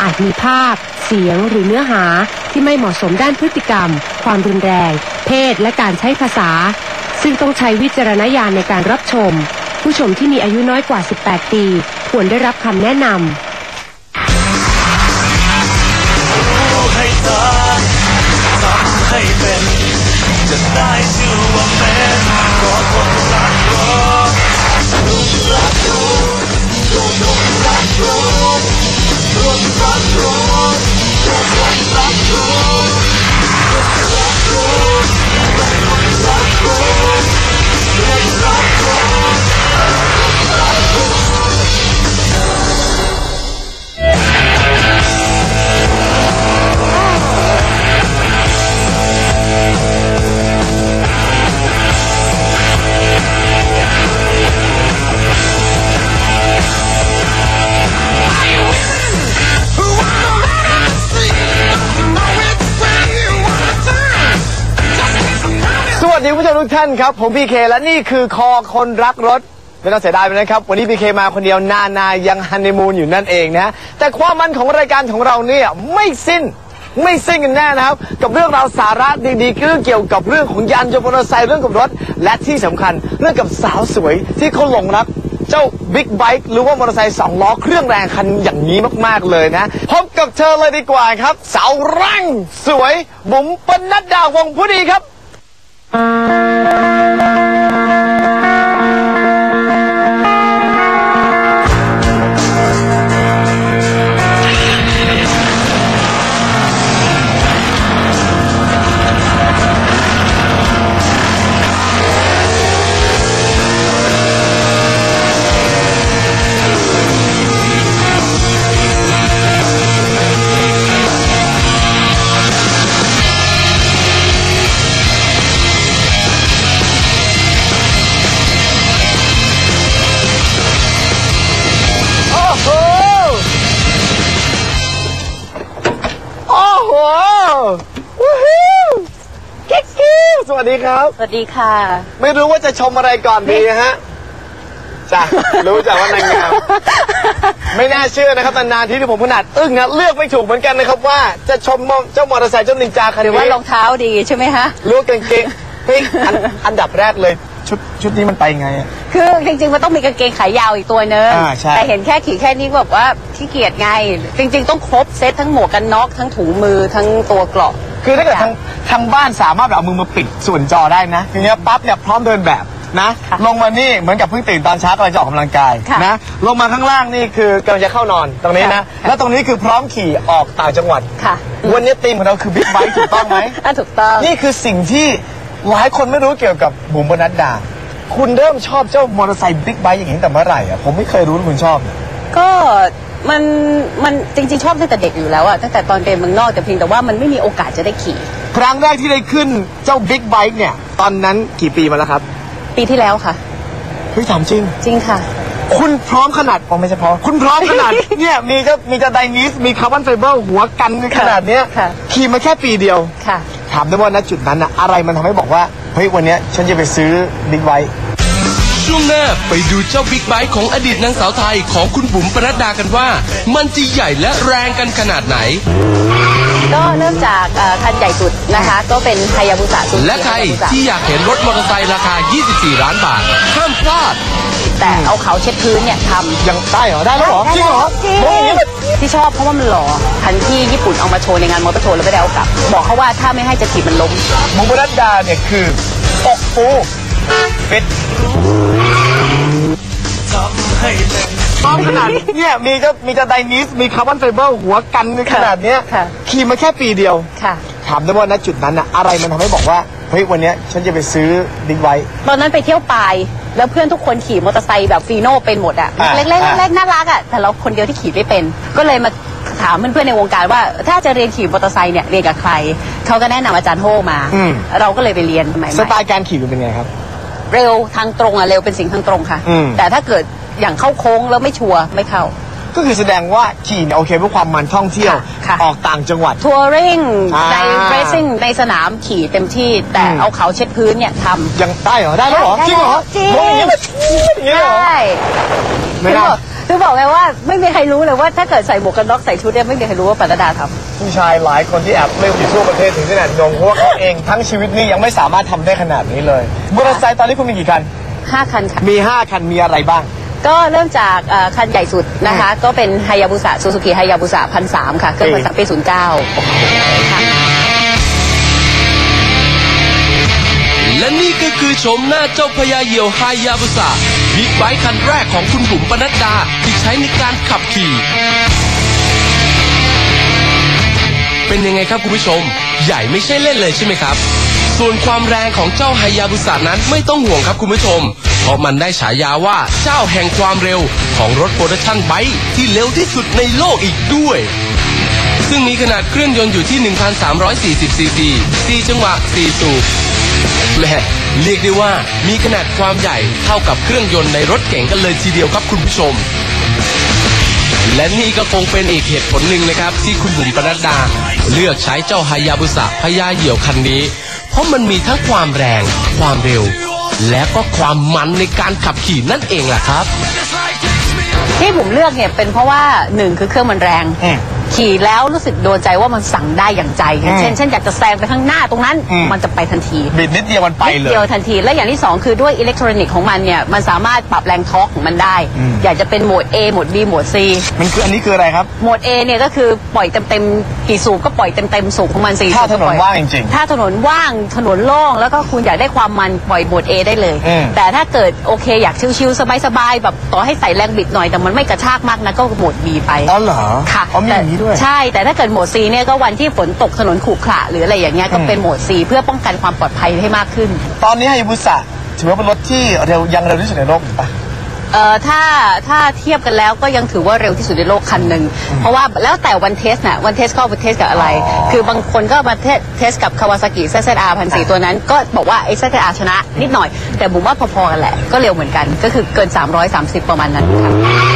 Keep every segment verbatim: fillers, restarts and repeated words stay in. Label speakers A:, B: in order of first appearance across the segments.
A: อาจมีภาพเสียงหรือเนื้อหาที่ไม่เหมาะสมด้านพฤติกรรมความรุนแรงเพศและการใช้ภาษาซึ่งต้องใช้วิจารณญาณในการรับชมผู้ชมที่มีอายุน้อยกว่าสิบแปดปีควรได้รับคำแนะนำ
B: ให้เธอทำให้เป็นจะได้ชื่อว่าเป็นเพราะคนรักรถลุกรักรถลุกลุกรักรถลุกรักรถลุกลุกรักรถลุกรักรถลุกลุกรักรถลุกรักรถ
C: สวัสดีผู้ชมทุกท่านครับผมพีเคและนี่คือคอคนรักรถไม่ต้องเสียดายไปนะครับวันนี้พีเคมาคนเดียวนานายังฮันนีมูนอยู่นั่นเองนะแต่ความมันของรายการของเราเนี่ยไม่สิ้นไม่สิ้นกันแน่นะครับกับเรื่องราวสาระดีๆเรื่องเกี่ยวกับเรื่องของยานยนต์มอเตอร์ไซค์เรื่องกับรถและที่สำคัญเรื่องกับสาวสวยที่เขาหลงรักเจ้าบิ๊กไบค์หรือว่ามอเตอร์ไซค์สองล้อเครื่องแรงคันอย่างนี้มากๆเลยนะพบกับเธอเลยดีกว่าครับสาวร่างสวยบุ๋มปนัดดาวงผู้ดีครับสวัสดีครับ
A: สวัสดีค่ะ
C: ไม่รู้ว่าจะชมอะไรก่อนดีฮะจ้ะรู้จักว่านางงามไม่น่าเชื่อนะครับนานๆที่ที่ผมขนาดอึ้งนะเลือกไม่ถูกเหมือนกันนะครับว่าจะชมเจ้ามอเตอร์ไซค์เจ้านินจาคันนี้หรือ
A: ว่ารองเท้าดีใช่ไหมฮะ
C: รู้กางเกงเฮ้ยอันดับแรกเลยชุดชุดนี้มันไปไง
A: คือจริงๆมันต้องมีกางเกงขายาวอีกตัวนึงแต่เห็นแค่ขี่แค่นี้แบบว่าขี้เกียจไงจริงๆต้องครบเซตทั้งหมวกกันน็อกทั้งถุงมือทั้งตัวเกราะ
C: คือถ้าเกิดทางทางบ้านสามารถเอามือมาปิดส่วนจอได้นะทีนี้ปั๊บเนี่ยพร้อมเดินแบบนะลงมานี่เหมือนกับเพิ่งตื่นตอนเช้ากำลังจะออกกำลังกายนะลงมาข้างล่างนี่คือกำลังจะเข้านอนตรงนี้นะแล้วตรงนี้คือพร้อมขี่ออกต่างจังหวัดวันนี้ธีมของเราคือบิ๊กไบค์ถูกต้องไหม
A: ถูกต้อง
C: นี่คือสิ่งที่หลายคนไม่รู้เกี่ยวกับบุ๋มปนัดดาคุณเริ่มชอบเจ้ามอเตอร์ไซค์บิ๊กไบค์อย่างนี้แต่เมื่อไหร่อ่ะผมไม่เคยรู้ว่าคุณชอบ
A: ก็มันมันจริงๆชอบตั้งแต่เด็กอยู่แล้วอะตั้งแต่ตอนเรียนเมืองนอกแต่เพียงแต่ว่ามันไม่มีโอกาสจะได้ขี่
C: ครั้งแรกที่ได้ขึ้นเจ้าบิ๊กไบค์เนี่ยตอนนั้นกี่ปีมาแล้วครับ
A: ปีที่แล้วค่ะ
C: เฮ้ยถามจริง
A: จริงค่ะ
C: คุณพร้อมขนาดผมไม่ใช่พร้อมคุณพร้อมขนาดเนี่ยมีจะมีจะไดนิสมีคาร์บอนไฟเบอร์หัวกันขนาดเนี้ยขี่มาแค่ปีเดียว
A: ค่ะ
C: ถามได้ว่าณจุดนั้นอะอะไรมันทำให้บอกว่าเฮ้ยวันนี้ฉันจะไปซื้อบิ๊กไบค์
D: ช่วงหน้าไปดูเจ้าบิ๊กไบค์ของอดีตนางสาวไทยของคุณบุ๋มปนัดดากันว่ามันจะใหญ่และแรงกันขนาดไหน
A: ก็เริ่มจากคันใหญ่สุดนะคะก็เป็นไฮยาบุสะสุด
D: และใครที่อยากเห็นรถมอเตอร์ไซค์ราคายี่สิบสี่ล้านบาทห้ามพลาด
A: แต่เอาเขาเช็ดพื้นเนี่ยทำ
C: ยังได้เหรอได้แล้วเหรอจริงเหรอ
A: ที่ชอบเพราะว่ามันหล่อคันที่ญี่ปุ่นเอามาโชว์ในงานมอเตอร์โชว์แล้วไม่ได้เอากลับบอกเขาว่าถ้าไม่ให้จะถีบมันล้ม
C: บุ๋มปนัดดาเนี่ยคืออกฟูฟิตพร้อมขนาดเนี่ยมีจะมีจะไดนิสมีคาร์บอนไฟเบอร์หัวกันขนาดเนี้ยขี่มาแค่ปีเดียวถามได้ว่าณจุดนั้นอะอะไรมันทำให้บอกว่าเฮ้ยวันนี้ฉันจะไปซื้อบิ๊กไบค์
A: ตอนนั้นไปเที่ยวปายแล้วเพื่อนทุกคนขี่มอเตอร์ไซค์แบบฟีโน่เป็นหมดอะเล็กๆเล็กๆน่ารักอะแต่เราคนเดียวที่ขี่ไม่เป็นก็เลยมาถามเพื่อนๆในวงการว่าถ้าจะเรียนขี่มอเตอร์ไซค์เนี่ยเรียนกับใครเขาก็แนะนำอาจารย์โฮมาเราก็เลยไปเรียนใหม่
C: ๆสไตล์การขี่เป็นไงครับ
A: เร็วทางตรงอะเร็วเป็นสิ่งทางตรงค่ะแต่ถ้าเกิดอย่างเข้าโค้งแล้วไม่ชัวร์ไม่เข้า
C: ก็คือแสดงว่าขี่เนี่ยโอเคเพื่อความมันท่องเที่ยวออกต่างจังหวัด
A: ทัวริงในเรซซิ่งในสนามขี่เต็มที่แต่เอาเขาเช็ดพื้นเนี่ยทำ
C: ยังได้เหรอได้แล้วเหรอจริงเหรอจริงอย่างนี้แบบอย่างนี้เหรอ
A: ไม่ได้คือบอกไงว่าไม่มีใครรู้เลยว่าถ้าเกิดใส่หมวกกันน็อกใส่ชุดเนี่ยไม่มีใครรู้ว่าปรดาทำ
C: ผู้ชายหลายคนที่แอบไม่อยู่ทั่วประเทศถึงขนาดงงเพราะว่าเขาเองทั้งชีวิตนี้ยังไม่สามารถทำได้ขนาดนี้เลยมอเตอร์ไซค์ตอนนี้คุณมีกี่คัน
A: ห้าคันค่ะ
C: มีห้าคันมีอะไรบ้าง
A: ก็เริ่มจากเอ่อคันใหญ่สุดนะคะ ก็เป็นไฮยาบุสะซูซูกิไฮยาบุสะพันสามค่ะเครื่องพันสามปีศูนย์เก้าค่ะ
D: และนี่ก็คือชมหน้าเจ้าพญาเหยี่ยวไฮยาบุสะบิ๊กไบค์คันแรกของคุณบุ๋มปนัดดาที่ใช้ในการขับขี่เป็นยังไงครับคุณผู้ชมใหญ่ไม่ใช่เล่นเลยใช่ไหมครับส่วนความแรงของเจ้าไฮยาบุสะนั้นไม่ต้องห่วงครับคุณผู้ชมเพราะมันได้ฉายาว่าเจ้าแห่งความเร็วของรถโปรดักชั่นไบค์ที่เร็วที่สุดในโลกอีกด้วยซึ่งมีขนาดเครื่องยนต์อยู่ที่ หนึ่งพันสามร้อยสี่สิบ ซีซี สี่จังหวะ สี่ สูบแหม่เรียกได้ว่ามีขนาดความใหญ่เท่ากับเครื่องยนต์ในรถเก๋งกันเลยทีเดียวครับคุณผู้ชมและนี่ก็คงเป็นอีกเหตุผลหนึ่งนะครับที่คุณบุ๋มปนัดดาเลือกใช้เจ้าไฮยาบุสะพญาเหยี่ยวคันนี้เพราะมันมีทั้งความแรงความเร็วและก็ความมันในการขับขี่นั่นเองล่ะครับ
A: ที่ผมเลือกเนี่ยเป็นเพราะว่าหนึ่งคือเครื่องมันแรงขี่แล้วรู้สึกโดนใจว่ามันสั่งได้อย่างใจเช่นเช่นอยากจะแซงไปข้างหน้าตรงนั้นมันจะไปทันที
C: บิดนิดเดียวมันไปเลย
A: นิดเดียวทันทีและอย่างที่สองคือด้วยอิเล็กทรอนิกส์ของมันเนี่ยมันสามารถปรับแรงทอร์กของมันได้อยากจะเป็นโหมด A โหมด B โหมด C
C: มันคืออันนี้คืออะไรครับ
A: โหมด A เนี่ยก็คือปล่อยเต็มๆกี่สูบก็ปล่อยเต็มๆสูบของมันสี่
C: ถ้าถนนว่างจริง
A: ๆถ้าถนนว่างถนนโล่งแล้วก็คุณอยากได้ความมันปล่อยโหมด A ได้เลยแต่ถ้าเกิดโอเคอยากชิลๆสบายๆแบบต่อให้ใส่แรงบิดหน่อยแต่มันไม่กระชากมากนะก็โหมด B ไป
C: อ๋อเหรอ
A: ค่ะ
C: อ๋อมีอย่างนี้ด้วย
A: ใช่แต่ถ้าเกิดโหมด C เนี่ยก็วันที่ฝนตกถนนขรุขระหรืออะไรอย่างเงี้ยก็เป็นโหมด C เพื่อป้องกันความปลอดภัยให้มากขึ้น
C: ตอนนี้ไฮยาบุสะถือว่าเป็นรถที่เร็วยังเร็วที่สุดในโลกถูกปะ
A: เอ่อถ้าถ้าเทียบกันแล้วก็ยังถือว่าเร็วที่สุดในโลกคันหนึ่งเพราะว่าแล้วแต่วันเทสน่ะวันเทสก็วันเทสกับอะไรคือบางคนก็มาเทสเทสกับคาวาซากิ แซด แซด อาร์ พันสี่ตัวนั้นก็บอกว่าไอ้ แซด แซด อาร์ ชนะนิดหน่อยแต่ผมว่าพอๆกันแหละก็เร็วเหมือนกันก็คือเกินสามร้อยสามสิบประมาณนั้นค่ะ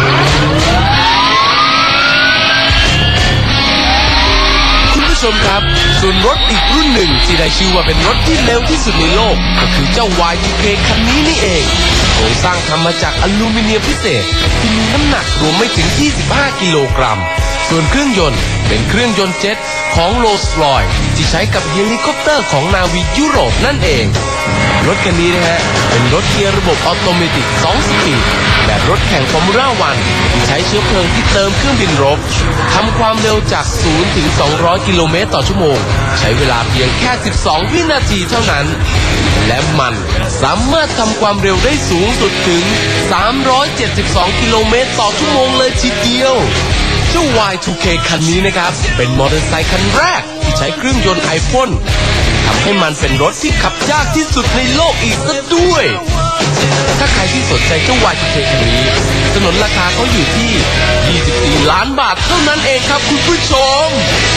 D: ชมครับส่วนรถอีกรุ่นหนึ่งที่ได้ชื่อว่าเป็นรถที่เร็วที่สุดในโลกก็คือเจ้า วาย ทู เค คันนี้นี่เองโครงสร้างทำมาจากอลูมิเนียมพิเศษที่มีน้ำหนักรวมไม่ถึงยี่สิบห้ากิโลกรัมส่วนเครื่องยนต์เป็นเครื่องยนต์เจ็ตของโรลส์รอยซ์ที่ใช้กับเฮลิคอปเตอร์ของนาวียุโรปนั่นเองรถคันนี้นะฮะเป็นรถเกียร์ระบบออโตเมติกสองสปีดแบบรถแข่งฟอร์มูล่าวันที่ใช้เชื้อเพลิงที่เติมเครื่องบินรบทำความเร็วจากศูนย์ถึงสองร้อยกิโลเมตรต่อชั่วโมงใช้เวลาเพียงแค่สิบสองวินาทีเท่านั้นและมันสามารถทำความเร็วได้สูงสุดถึงสามร้อยเจ็ดสิบสองกิโลเมตรต่อชั่วโมงเลยทีเดียวเจ้า วาย ทู เค คันนี้นะครับเป็นมอเตอร์ไซค์คันแรกที่ใช้เครื่องยนต์ไอพ่นทำให้มันเป็นรถที่ขับยากที่สุดในโลกอีกซะด้วยถ้าใครที่สนใจเจ้า วาย ทู เค คันนี้สนนราคาเขาอยู่ที่ยี่สิบสี่ล้านบาทเท่านั้นเองครับคุณผู้ชม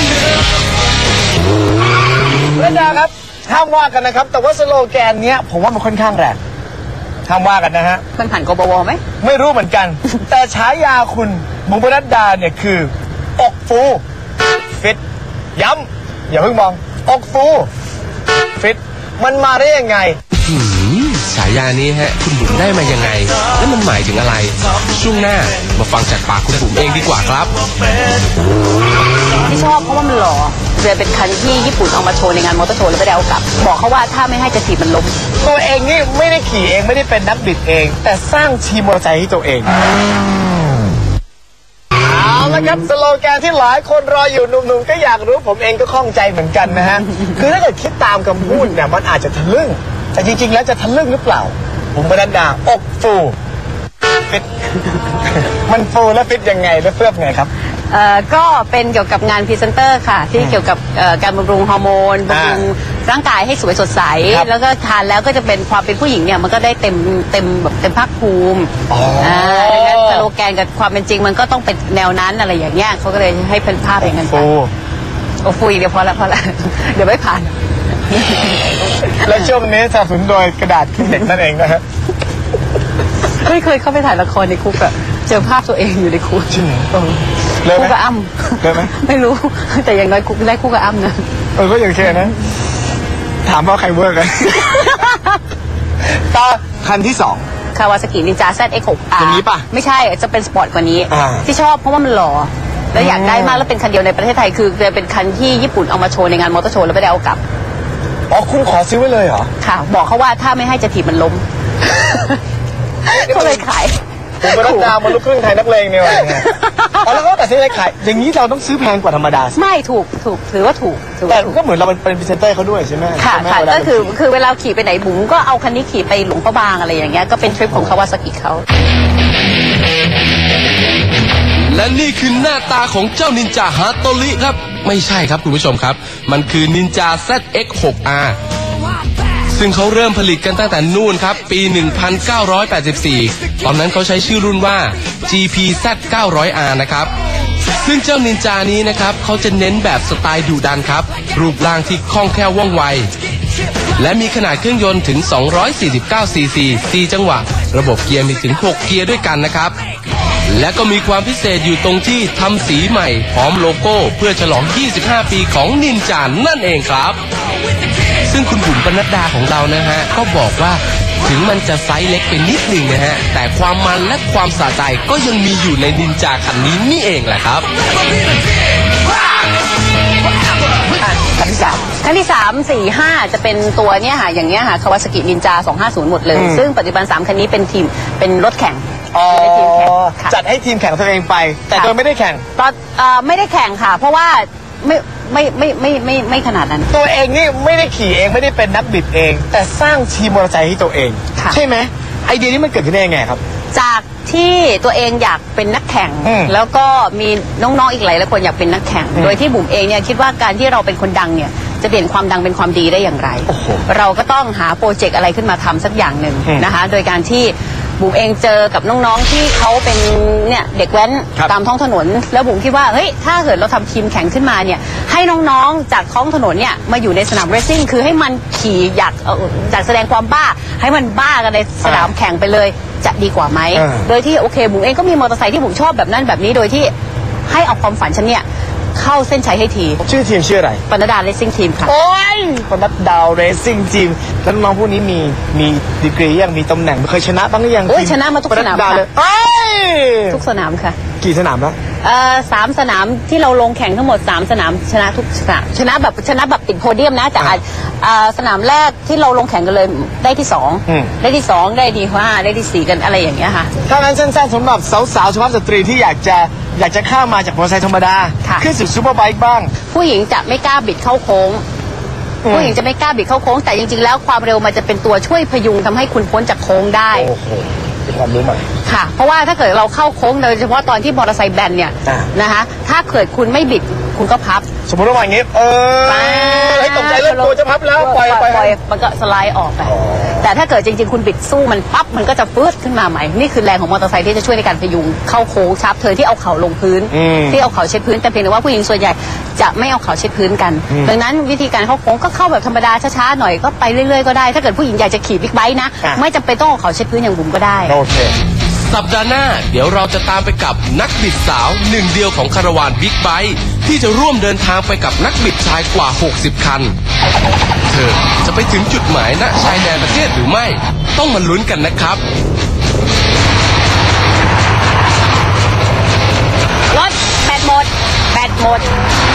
C: และดาครับห้ามว่ากันนะครับแต่ว่าสโลแกนเนี้ยผมว่ามันค่อนข้างแรงห้ามว่ากันนะฮะ
A: มันผ่านกบวไหม
C: ไม่รู้เหมือนกัน แต่ฉายาคุณบุ๋มปนัดดาเนี่ยคือ อกฟูฟิตย้ำอย่าเพิ่งมองอกฟูฟิตมันมาได้ยังไง
D: ฉายานี้ฮะคุณบุ๋มได้มายังไงและมันหมายถึงอะไรช่วงหน้ามาฟังจากปากคุณบุ๋มเองดีกว่าครับ
A: ที่ชอบเพราะว่ามันหล่อเลยเป็นคันที่ญี่ปุ่นเอามาโชว์ในงานมอเตอร์โชว์แล้วไม่ได้เอากลับบอกเขาว่าถ้าไม่ให้จะถีบมันล้ม
C: ตัวเองนี่ไม่ได้ขี่เองไม่ได้เป็นนักบิดเองแต่สร้างทีมมอเตอร์ไซค์ให้ตัวเองเอาละครับสโลแกนที่หลายคนรออยู่หนุ่มๆก็อยากรู้ผมเองก็ข้องใจเหมือนกันนะฮะคือถ้าเกิดคิดตามคำพูดเนี่ยมันอาจจะทะลึ่งแต่จริงๆแล้วจะทะลึ่งหรือเปล่าผมปนัดดาอกฟูฟิตมันฟูและฟิตยังไงและเฟื่องไงครับ
A: เอ่อก็เป็นเกี่ยวกับงานพรีเซนเตอร์ค่ะที่เกี่ยวกับการบำรุงฮอร์โมนบำรุงร่างกายให้สวยสดใสแล้วก็ทานแล้วก็จะเป็นความเป็นผู้หญิงเนี่ยมันก็ได้เต็มเต็มแบบเต็มภาคภูมิอ่าดังนั้นสโลแกนกับความเป็นจริงมันก็ต้องเป็นแนวนั้นอะไรอย่างเงี้ยเขาก็เลยให้เป็นภาพอย่างนั้นไปโอ้ฟูอีกเดี๋ยวพอละพอละเดี๋ยวไม่ผ่าน
C: และช่วงนี้สนับสนุนโดยกระดาษคลิปเด็กนั่นเองนะฮะ
A: ไม่เคยเข้าไปถ่ายละครในคุกอะเจอภาพตัวเองอยู่ในคุก
C: จริงเหรอ
A: คุกกับอ้ำ
C: ได้ไหม
A: ไม่รู้แต่อย่างน้อยคุกได้คุกกับอ้ำนะ
C: เออก็อย่างเช่นนะถามว่าใครเวิร์กกันต่อคันที่สอง
A: คาวาซากินินจา แซด เอ็กซ์ หก อาร์
C: อย่างนี้ป่ะ
A: ไม่ใช่จะเป็นสปอร์ตกว่านี้
C: อ่า
A: ที่ชอบเพราะว่ามันหล่อแล้วอยากได้มากแล้วเป็นคันเดียวในประเทศไทยคือจะเป็นคันที่ญี่ปุ่นเอามาโชว์ในงานมอเตอร์โชว์แล้วไม่ได้เอากลับ
C: อ๋อคุณขอซื้อไว้เลยเหรอ
A: ค่ะ บอกเขาว่าถ้าไม่ให้จะถีบมันล้ม ก็เลยขาย
C: ผมเป็นนักดาวมาลูกครึ่งไทยนักเลงเนี่ยว่ะเนี่ยอ๋อแล้วก็แต่ซื้ออะไรขายอย่างนี้เราต้องซื้อแพงกว่าธรรมดาสิ
A: ไม่ถูกถูกถือว่าถูกถือ
C: แต่
A: ว่าถูก
C: ก็เหมือนเราเป็นพรีเซนเตอร์เขาด้วยใช่ไหม
A: ค่ะ
C: ใช่ไหม
A: ค่ะ
C: เวลา
A: ก็คือคือเวลาขี่ไปไหนบุ๋มก็เอาคันนี้ขี่ไปหลวงพระบางอะไรอย่างเงี้ยก็เป็นทริปของคาวาซากิเขา
D: และนี่คือหน้าตาของเจ้านินจาฮาโตริครับไม่ใช่ครับคุณผู้ชมครับมันคือนินจา แซด เอ็กซ์ หก อาร์ ซึ่งเขาเริ่มผลิตกันตั้งแต่นู่นครับปี หนึ่งพันเก้าร้อยแปดสิบสี่ ตอนนั้นเขาใช้ชื่อรุ่นว่า จี พี แซด เก้าร้อย อาร์ นะครับซึ่งเจ้านินจานี้นะครับเขาจะเน้นแบบสไตล์ดุดันครับรูปร่างที่คล่องแคล่วว่องไวและมีขนาดเครื่องยนต์ถึง สองร้อยสี่สิบเก้า ซี ซี สี่ จังหวะระบบเกียร์มีถึง หก เกียร์ด้วยกันนะครับและก็มีความพิเศษอยู่ตรงที่ทำสีใหม่พร้อมโลโก้เพื่อฉลอง ยี่สิบห้า ปีของนินจานั่นเองครับซึ่งคุณบุ๋มปนัดดาของเรานะฮะก็บอกว่าถึงมันจะไซส์เล็กไปนิดหนึ่งนะฮะแต่ความมันและความสะใจก็ยังมีอยู่ในนินจาคันนี้นี่เองแหละครับ
C: คันที่สาม
A: คันที่สาม สี่ ห้าจะเป็นตัวเนี้ยค่ะอย่างเงี้ยค่ะคาวาซากินินจา สองห้าศูนย์ หมดเลย
C: อืม
A: ซึ่งปัจจุบันสามคันนี้เป็นทีมเป็นรถแข่ง
C: อ๋อ
A: เป็นทีมแข่งค่ะ
C: จัดให้ทีมแข่งตัวเองไป แต่
A: ค่ะ
C: โดยไม่ได้แข่ง
A: ตอนเอ่อไม่ได้แข่งค่ะ เพราะว่าไม่ไม่ไม่ไม่ไม่ไม่ไม่ขนาดนั้น
C: ตัวเองนี่ไม่ได้ขี่เองไม่ได้เป็นนักบิดเอง แต่สร้างทีมมอเตอร์ไซค์ให้ตัวเอง
A: ค่ะ
C: ใช่ไหมไอเดียนี้มันเกิดขึ้นได้ยังไงครับ
A: จากที่ตัวเองอยากเป็นนักแข่ง
C: อืม
A: แล้วก็มีน้องๆอีกหลายหลายคนอยากเป็นนักแข่ง โดยที่บุ๋มเองเนี่ยคิดว่าการที่เราเป็นคนดังเนี่ยจะเปลี่ยนความดังเป็นความดีได้อย่างไร
C: โอ้โห
A: เราก็ต้องหาโปรเจกต์อะไรขึ้นมาทำสักอย่างหนึ่ง
C: อืม
A: นะคะ โดยการที่บุ๋มเองเจอกับน้องๆที่เขาเป็นเนี่ยเด็กแว้น
C: ครับ
A: ตามท้องถนน แล้วบุ๋มคิดว่าเฮ้ยถ้าเกิดเราทำทีมแข่งขึ้นมาเนี่ยให้น้องๆจากท้องถนนเนี่ยมาอยู่ในสนามเรซซิ่งคือให้มันขี่อยากเอ่ออยากแสดงความบ้า ให้มันบ้ากันในสนามแข่งไปเลยจะดีกว่าไหม
C: อ่า
A: โดยที่โอเคบุ๋มเองก็มีมอเตอร์ไซค์ที่บุ๋มชอบแบบนั้นแบบนี้โดยที่ให้เอาความฝันฉันเนี่ยเข้าเส้นชัยให้ที
C: ชื่อทีมชื่ออะไร
A: ปนดาเลสซิ่งทีมค่ะ
C: โอ้ยปนัดดาวเรซซิ่งทีมแล้วน้องๆพวกนี้มีมีดีกรียังมีตำแหน่งเคยชนะบ้างหรือยัง
A: โอ้ย
C: ที
A: ชนะมาทุกสนาม
C: ปดดว
A: ค่ะ
C: เลยเอ้ย
A: ทุกสนามค่ะ
C: กี่สนามแล้ว
A: เอ่อสามสนามที่เราลงแข่งทั้งหมดสามสนามชนะทุกสนามชนะแบบชนะแบบติดโพเดียมนะแต่อาจเอ่อสนามแรกที่เราลงแข่งกันเลยได้ที่สอง
C: อืม
A: ได้ที่สองได้ที่ห้าได้ที่สี่กันอะไรอย่างเงี้ยค่ะ
C: ถ้างั้นสั้นๆสำหรับสาวๆสุภาพสตรีที่อยากจะอยากจะข้ามมาจากมอเตอร์ไซค์ธรรมดา
A: ค่ะ
C: ขึ้นสู่ซูเปอร์ไบค์บ้าง
A: ผู้หญิงจะไม่กล้าบิดเข้าโค้ง
C: อืม
A: ผู้หญิงจะไม่กล้าบิดเข้าโค้งแต่จริงๆแล้วความเร็วมันจะเป็นตัวช่วยพยุงทำให้คุณพ้นจากโค้งได้
C: โอ้โหเป็นความรู้ใหม่
A: ค่ะ เพราะว่าถ้าเกิดเราเข้าโค้งโดยเฉพาะตอนที่มอเตอร์ไซค์แบนเนี่ย
C: อ่า
A: นะคะถ้าเกิดคุณไม่บิดคุณก็พับ
C: สมมติว่าอย่างงี้เออให้ตกใจเริ่มกลัวจะพับแล้วปล่อยไป
A: ปล่อยมันก็สไลด์ออกไป แต่ถ้าเกิดจริงๆคุณบิดสู้มันปั๊บมันก็จะฟืดขึ้นมาใหม่ นี่คือแรงของมอเตอร์ไซค์ที่จะช่วยในการพยุงเข้าโค้งชาร์ปเทิร์นที่เอาเข่าลงพื้น
C: อืม
A: ที่เอาเข่าเช็ดพื้นแต่เพียงแต่ว่าผู้หญิงส่วนใหญ่จะไม่เอาเข่าเช็ดพื้นกัน
C: อืม
A: ดังนั้นวิธีการเข้าโค้งก็เข้าแบบธรรมดาช้าๆหน่อยก็ไปเรื่อยๆก็ได้ ถ้าเกิดผู้หญิงอยากจะขี่บิ๊กไบค์นะ
C: อ่ะ
A: ไม่จำเป็นต้องเอาเข่าเช็ดพื้นอย่างบุ๋มก็ได้
C: โอเค
D: สัปดาห์หน้าเดี๋ยวเราจะตามไปกับนักบิดสาวหนึ่งเดียวของคาราวานบิ๊กไบค์ที่จะร่วมเดินทางไปกับนักบิดชายกว่า หกสิบ คัน เธอจะไปถึงจุดหมายณชายแดนประเทศหรือไม่ ต้องมาลุ้นกันนะครับ
A: รถแบตหมดแบตหมด